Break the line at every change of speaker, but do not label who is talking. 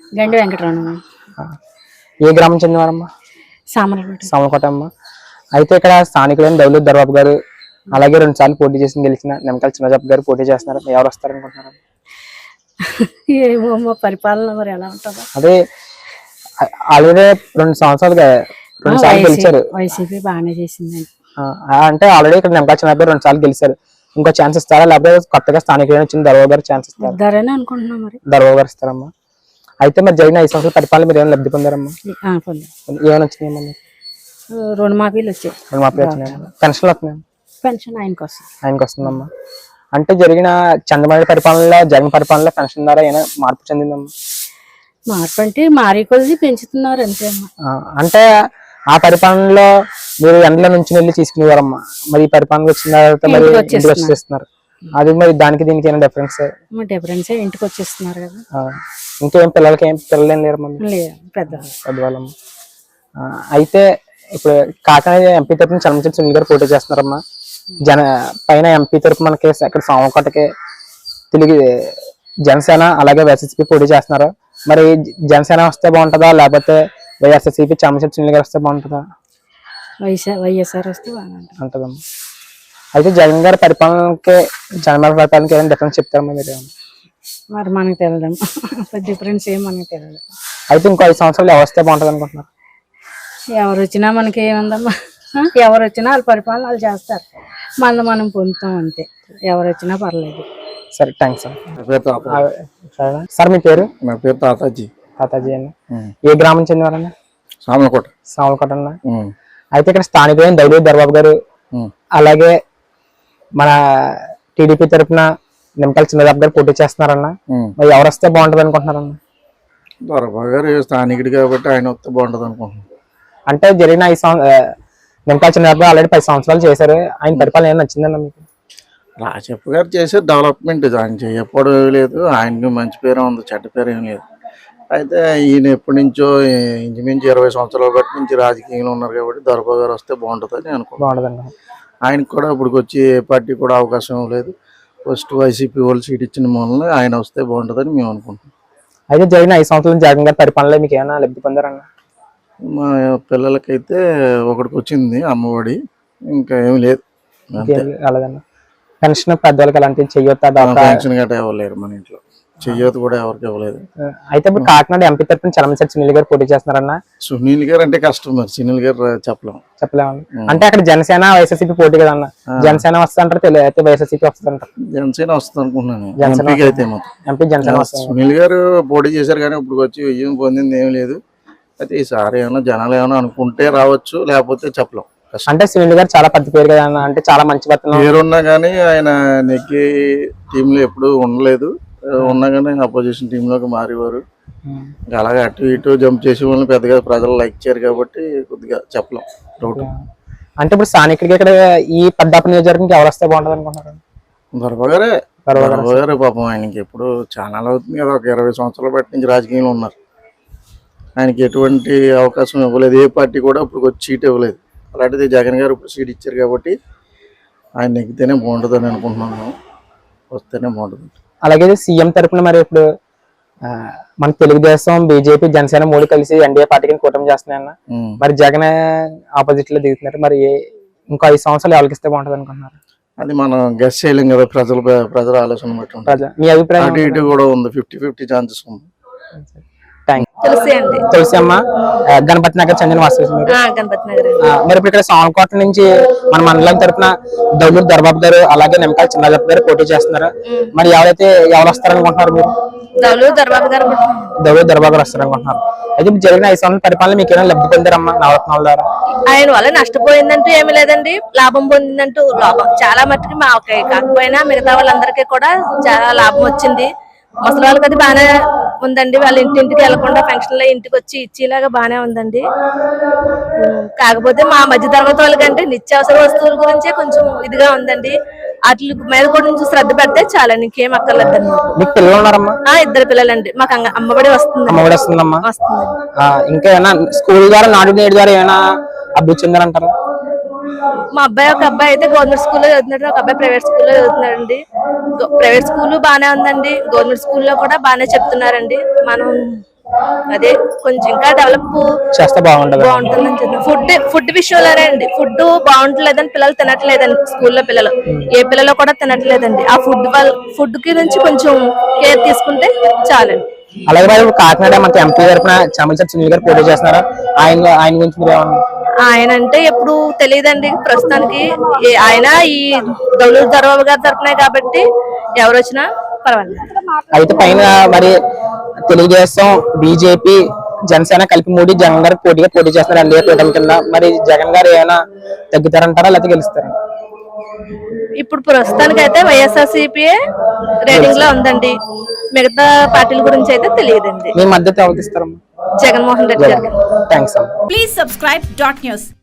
గండి వెంకటరమణ.
ఏ గ్రామం చెందినవారమ్మా? సామలకోట అమ్మ. అయితే ఇక్కడ స్థానికులైన దౌలత్ దర్బాబు గారు అలాగే 2 సార్లు పోటీ చేసి గెలిచిన నిమ్మకాయల చిన్నజప్ప గారు పోటీ చేస్తున్నారు. ఎవరు వస్తారనుకుంటున్నారు?
ఏమో పరిపాలన మరి ఎలా ఉంటుందో.
అదే ఆల్రెడీ 2 సంవత్సరాలుగా 2 సార్లు గెలిచారు.
వైసీపీ బాగానే చేసిందండి.
అంటే ఆల్రెడీ ఇక్కడ నిమ్మకాయల చిన్నజప్ప గారు 2 సార్లు గెలిచారు. ఇంకో ఛాన్స్ ఇస్తారా లేకపోతే కొత్తగా స్థానికులైన వచ్చిన దర్బాబు గారు ఛాన్స్ ఇస్తారా?
అనుకుంటున్నాం మరి.
దర్బాబు గారు ఇస్తారమ్మా. అయితే మరి జరిగిన 5 సంవత్సరాల పరిపాలన మీరు ఏమైనా లబ్ధి పొందారమ్మా? ఏమైనా వచ్చినాయమ్మా?
రుణమాఫీలు వచ్చాయి.
రుణమాఫీ వచ్చినాయమ్మా. పెన్షన్లు వస్తున్నాయి?
పెన్షన్
ఆయనకు వస్తుందమ్మా. అంటే జరిగిన చంద్రబాబు పరిపాలనలో జగన్ పరిపాలనలో పెన్షన్ ద్వారా ఏమైనా మార్పు చెందిందమ్మా?
మార్పు అంటే మారి కొద్ది పెంచుతున్నారు అంతే.
అంటే ఆ పరిపాలనలో మీరు ఎండల నుంచి వెళ్ళి తీసుకునేవారమ్మా, మరి ఈ పరిపాలనకు వచ్చిన తర్వాత మరి ఇంటికి వచ్చేస్తున్నారు. అది మరి దానికి దీనికి ఏమైనా డిఫరెన్స్?
ఇంటికి వచ్చేస్తున్నారు కదా.
ఇంకేం పిల్లలకి పిల్లలు ఏం లేరమ్మా? పెద్దవాళ్ళమ్మా. అయితే ఇప్పుడు కాకినాడ ఎంపీ తరఫున చలమచంద్ర సునీల్ గారు పోటీ చేస్తున్నారమ్మా. పైన ఎంపీ తరఫు మనకి ఇక్కడ సామకోటకి తెలుగు జనసేన అలాగే వైఎస్ఆర్సీపీ పోటీ చేస్తున్నారు. మరి జనసేన వస్తే బాగుంటుందా లేకపోతే వైఎస్ఆర్సీపీ చలమచంద్ర సునీల్ గారు వస్తే బాగుంటుందా?
వైఎస్ఆర్ వస్తే బాగుంటుందమ్మా.
అయితే జగన్ గారి పరిపాలనకి చంద్రబాబు పరిపాలనకి ఏమైనా డిఫరెన్స్ చెప్తారమ్మా మీరు?
మరి మనకు తెలియదమ్మా, డిఫరెన్స్ ఏం మనకు తెలియదు.
అయితే ఇంకో 5 సంవత్సరాలు ఎవరు వస్తే బాగుంటుంది అనుకుంటున్నారు?
ఎవరు వచ్చినా మనకి ఏముందమ్మా, ఎవరు వచ్చినా వాళ్ళ పరిపాలన వాళ్ళు చేస్తారు, మనం పొందుతాం అంతే. ఎవరు వచ్చినా పర్లేదు.
సరే, థ్యాంక్స్ సార్. మీ పేరు?
నా పేరు తాతాజీ
అన్న. ఏ గ్రామం చెందినవారన్నా? సామలకోట అన్న. అయితే ఇక్కడ స్థానికులైన దౌలత్ దర్బాబు గారు అలాగే మన టీడీపీ తరఫున నిమ్మకాయల చిన్నజప్ప గారు పోటీ చేస్తున్నారన్నా. మరి ఎవరు వస్తే బాగుంటుంది అనుకుంటున్నారన్నా?
దర్బాబు గారు స్థానికుడు కాబట్టి ఆయన వస్తే బాగుంటుంది అనుకుంటున్నాను.
అంటే జరిగిన 5 సంవత్సరాలు నిమ్మకాయల చిన్నజప్ప ఆల్రెడీ 10 సంవత్సరాలు చేశారు. ఆయన పరిపాలన ఏమైనా నచ్చిందన్నా మీకు?
రాజప్ప గారు చేసే డెవలప్మెంట్ ఆయన చేయకపోవడం ఏమీ లేదు. ఆయనకి మంచి పేరు ఉంది, చెడ్డ పేరు ఏం లేదు. అయితే ఈయన ఎప్పటి నుంచో ఇంచుమించు 20 సంవత్సరాల బట్టి నుంచి రాజకీయంలో ఉన్నారు కాబట్టి దర్బాబు గారు వస్తే బాగుంటుందని అనుకుంటున్నాను. ఆయనకు కూడా ఇప్పుడు వచ్చి ఏ పార్టీ కూడా అవకాశం లేదు. ఫస్ట్ వైసీపీ వాళ్ళు సీట్ ఇచ్చిన మూలన ఆయన వస్తే బాగుంటుందని మేము అనుకుంటున్నాం.
అయితే జరిగిన 5 సంవత్సరాలు జగన్ గారి పరిపాలనలో మీకు ఏమైనా లబ్ధి పొందారన్నా?
మా పిల్లలకైతే ఒకటికి వచ్చింది అమ్మఒడి, ఇంకా ఏమి లేదు.
అలాగన్నా. పెన్షన్ పెద్దవాళ్ళకి అలాంటివి చెయ్యొద్దా?
పెన్షన్ గట్రా ఇవ్వలేరు మన ఇంట్లో, చెయ్యొద్దు కూడా ఎవరికి ఇవ్వలేదు.
అయితే ఇప్పుడు కాకినాడ ఎంపీ తరఫున చలమచంద్ర సునీల్ గారు పోటీ చేస్తున్నారన్నా.
సునీల్ గారు అంటే కష్టం, మరి సునీల్ గారు చెప్పలేము.
అంటే అక్కడ జనసేన వైఎస్ఆర్సీపీ పోటీ కదా అన్న. జనసేన వస్తుంటారు, అయితే వైఎస్ఆర్సీపీ వస్తుంటారు.
జనసేన వస్తుంది అనుకుంటున్నాను. ఎంపీ జనసేన. సునీల్ గారు పోటీ చేశారు కానీ ఇప్పుడు వచ్చి విజయం పొందింది ఏమి లేదు. అయితే ఈసారి ఏమైనా జనాలు ఏమైనా అనుకుంటే రావచ్చు, లేకపోతే చెప్పలేం.
అంటే సునీల్ గారు చాలా పెద్ద పేరు కదా అన్న, అంటే చాలా మంచి
పేరున్నా కానీ ఆయన నెగ్గి టీంలో ఎప్పుడు ఉండలేదు. ఉన్నా కానీ అపోజిషన్ టీంలోకి మారేవారు. అలాగే అటు ఇటు జంప్ చేసే వాళ్ళని పెద్దగా ప్రజలు లైక్ చేయరు కాబట్టి కొద్దిగా చెప్పలేం. డౌట్.
అంటే ఇప్పుడు స్థానికుడికి ఇక్కడ ఈ పెద్దాపురం నియోజకవర్గంకి ఎవరు వస్తే బాగుంటుంది అనుకుంటున్నారు?
దర్బాబు గారే పాపం. ఆయనకి ఎప్పుడు ఛానల్ అవుతుంది కదా, ఒక 20 సంవత్సరాల బట్టి నుంచి రాజకీయంలో ఉన్నారు. ఆయనకి ఎటువంటి అవకాశం ఇవ్వలేదు, ఏ పార్టీ కూడా ఇప్పుడు వచ్చి సీట్ ఇవ్వలేదు. అలాంటిది జగన్ గారు ఇప్పుడు సీట్ ఇచ్చారు కాబట్టి ఆయన నెగ్గితేనే బాగుంటుందని అనుకుంటున్నాను, వస్తేనే బాగుంటుంది.
అలాగే సీఎం తరఫున మరి ఇప్పుడు మన తెలుగుదేశం, బీజేపీ, జనసేన 3 కలిసి ఎన్డీఏ పార్టీకి కూటమి చేస్తున్నాయన్న. మరి జగన్ ఆపోజిట్ లో దిగుతున్నారు. మరి ఇంకో 5 సంవత్సరాలు ఎవరికి ఇస్తే బాగుంటుంది అనుకుంటున్నారు?
అది మనం గెస్ చేయలేం కదా, ప్రజల ఆలోచన బట్టి.
మీ అభిప్రాయం?
అటు ఇటు కూడా ఉంది, 50-50 ఛాన్సెస్ ఉంది.
తులసి అమ్మ, గణపతి నగర్ చెందిన వాస్తవం. మరి ఇప్పుడు ఇక్కడ సామలకోట నుంచి మన మండలం తరఫున దౌలత్ దర్బాబు గారు అలాగే నిమ్మకాయల చిన్నజప్ప గారు పోటీ చేస్తున్నారు. మరి ఎవరు వస్తారనుకుంటున్నారు మీరు?
దౌలత్ దర్బాబు గారు
వస్తారనుకుంటున్నారు. అయితే ఇప్పుడు జరిగిన 5 సంవత్సరాల పరిపాలన మీకు ఏమైనా లబ్ధి పొందారమ్మా నవరత్నాల ద్వారా?
ఆయన వల్ల నష్టపోయిందంటూ ఏమి లేదండి, లాభం పొందిందంటూ చాలా మట్టుకు మా కాకపోయినా మిగతా వాళ్ళందరికీ కూడా చాలా లాభం వచ్చింది. ముసలి వాళ్ళకి అది బాగానే ఉందండి. వాళ్ళ ఇంటింటికి వెళ్లకుండా పెన్షన్లో ఇంటికి వచ్చి ఇచ్చేలాగా బాగానే ఉందండి. కాకపోతే మా మధ్య తరగతి వాళ్ళకంటే నిత్యావసర వస్తువుల గురించే కొంచెం ఇదిగా ఉందండి. వాటి మీద కూడా శ్రద్ధ పెడితే చాలా, ఇంకేం అక్కర్లేదండి.
మీకు పిల్లలు ఉన్నారమ్మా?
2 పిల్లలండి. మాకు అమ్మఒడి వస్తుంది.
ఇంకా స్కూల్ ద్వారా, నాడు నేడు ద్వారా ఏమైనా అభివృద్ధి చెందారంటారా?
మా అబ్బాయి, ఒక అబ్బాయి అయితే గవర్నమెంట్ స్కూల్లో చదువుతున్నాడు, ఒక అబ్బాయి ప్రైవేట్ స్కూల్లో చదువుతున్నాడండి. ప్రైవేట్ స్కూల్ బాగానే ఉందండి, గవర్నమెంట్ స్కూల్లో కూడా బాగానే చెప్తున్నారండి. మనం అదే కొంచెం ఇంకా డెవలప్
చేస్తే బాగుంటది.
బాగుంటుందని చెప్తాను. ఫుడ్ విషయంలోనే అండి, ఫుడ్ బాగుంటలేదని పిల్లలు తినట్లేదండి, స్కూల్లో పిల్లలు ఏ పిల్లలు కూడా తినట్లేదండి. ఆ ఫుడ్ కి నుంచి కొంచెం కేర్ తీసుకుంటే చాలండి.
అలాగే మరి ఇప్పుడు కాకినాడ మనకి ఎంపీ తరఫున చామలచెట్టి సునీల్ గారు పోటీ చేస్తున్నారు. ఆయన గురించి మీరు ఏమన్నా?
ఆయన అంటే ఎప్పుడు తెలియదండి ప్రస్తుతానికి. ఆయన ఈ దౌలూరు దర్బాబు గారి తరఫునే కాబట్టి ఎవరు వచ్చినా పర్వాలేదు.
అయితే పైన మరి తెలుగుదేశం, బీజేపీ, జనసేన కలిపి మూడు జగన్ గారు పోటీ చేస్తున్నారు ఎన్డీఏ కూటమి కింద. మరి జగన్ గారు ఏమైనా తగ్గుతారంటారా లేకపోతే గెలుస్తారా?
ఇప్పుడు ప్రస్తుతానికి అయితే వైఎస్ఆర్సీపీ రేటింగ్ లో ఉందండి. మిగతా పార్టీల గురించి అయితే తెలియదండి.
మీ మద్దతు ఎవరికి ఇస్తారమ్మా?
జగన్మోహన్ రెడ్డి గారికి.
థ్యాంక్స్ అమ్మా.
Please subscribe .news.